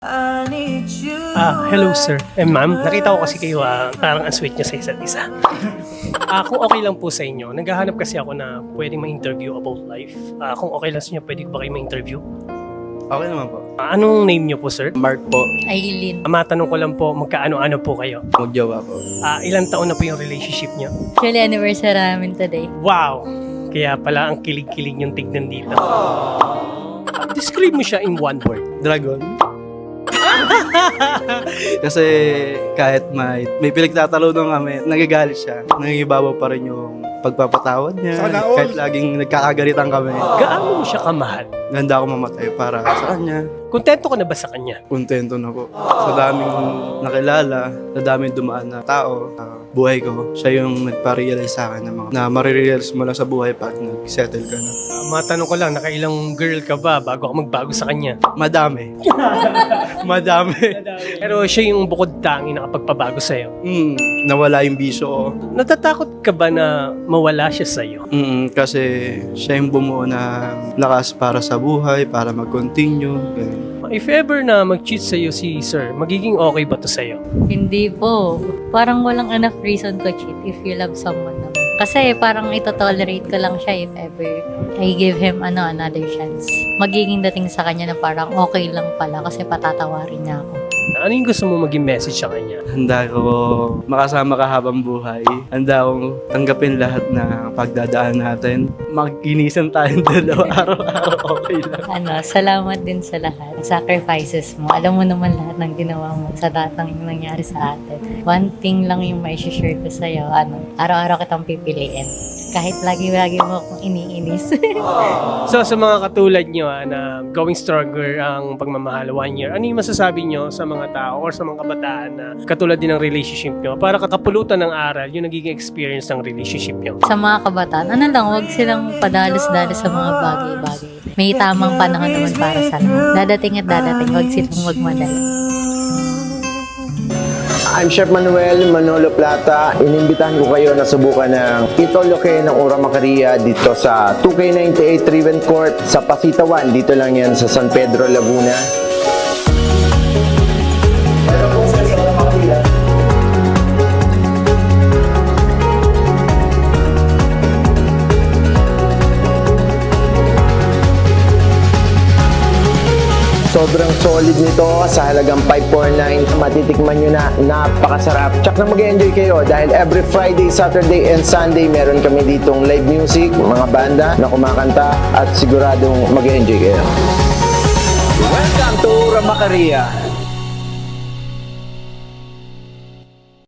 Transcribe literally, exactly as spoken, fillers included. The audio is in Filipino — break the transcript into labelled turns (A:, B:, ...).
A: I need you.
B: Ah, hello sir. Eh ma'am, nakita ko kasi kayo ah, parang ang sweet niyo sa isa't isa. Ah, kung okay lang po sa inyo, naghahanap kasi ako na pwedeng ma-interview about life. Ah, kung okay lang sa inyo, pwede ko ba kayo ma-interview?
C: Okay naman po.
B: Ah, anong name niyo po sir?
C: Mark po.
D: Aileen.
B: Ah, matanong ko lang po, magkaano-ano po kayo?
C: Magjowa po.
B: Ah, ilang taon na po yung relationship niyo?
D: Actually, anniversary namin today.
B: Wow! Kaya pala ang kilig-kilig yung tignan dito. Ah, describe mo siya in one word.
C: Dragon. Kasi kahit may, may pinagtatalunan kami, nagagalit siya. Nangibabaw pa rin yung pagpapatawad niya.
E: Sana all.
C: Kahit laging nagkakagalitan kami.
B: Gaano mo siya kamahal?
C: Ganda ako mamatay para sa kanya.
B: Kontento ka na ba sa kanya?
C: Kontento na po. Sa daming nakilala, sa daming dumaan na tao, sa buhay ko, siya yung nagpa-realize sa akin na, mga, na marirealize mo lang sa buhay pag nag-settle ka na.
B: Ah, matanong ko lang, nakailang girl ka ba bago ako magbago sa kanya?
C: Madami. Madami.
B: Pero siya yung bukod tangi na kapagpabago sa'yo.
C: Mm, nawala yung bisyo ko.
B: Natatakot ka ba na mawala siya sa'yo?
C: Mm, kasi siya yung bumuo na lakas para sa buhay, para mag-continue. Ganun.
B: If ever na mag-cheat sa'yo si sir, magiging okay ba to sa'yo?
D: Hindi po. Parang walang enough reason to cheat if you love someone naman. Kasi parang ito-tolerate ko lang siya if ever I give him ano another chance. Magiging dating sa kanya na parang okay lang pala kasi patatawarin niya ako.
B: Ano yung gusto mo maging message sa kanya?
C: Handa ko makasama ka habang buhay. Handa akong tanggapin lahat na pagdadaan natin. Mag-inisan tayong dalawa araw-araw, okay lang.
D: Ano, salamat din sa lahat. Sacrifices mo. Alam mo naman lahat ng ginawa mo sa lahat ng yung nangyari sa atin. One thing lang yung may share ko sa'yo. Ano, araw-araw kitang pipiliin. Kahit lagi-lagi mo akong iniinis.
B: So sa mga katulad nyo ah, na going stronger ang pagmamahal one year, ano yung masasabi nyo sa mga tao or sa mga kabataan na katulad din ng relationship nyo para kakapulutan ng aral yung nagiging experience ng relationship nyo?
D: Sa mga kabataan, ano lang, huwag silang padalos-dalos sa mga bagay-bagay. May tamang panahon naman para sa lahat. Dadating at dadating, huwag silang magmadali.
E: I'm Chef Manuel Manolo Plata. Inimbitahan ko kayo na subukan ng Ito Loke ng Ura Macaria dito sa two K ninety-eight Riven Court sa Pasitawan. Dito lang yan sa San Pedro, Laguna. Sobrang solid nito sa halagang five forty-nine. Matitikman nyo na, napakasarap. Tsak na mag-enjoy kayo dahil every Friday, Saturday, and Sunday meron kami ditong live music, mga banda na kumakanta at siguradong mag-enjoy kayo.
F: Welcome to Ura Macaria.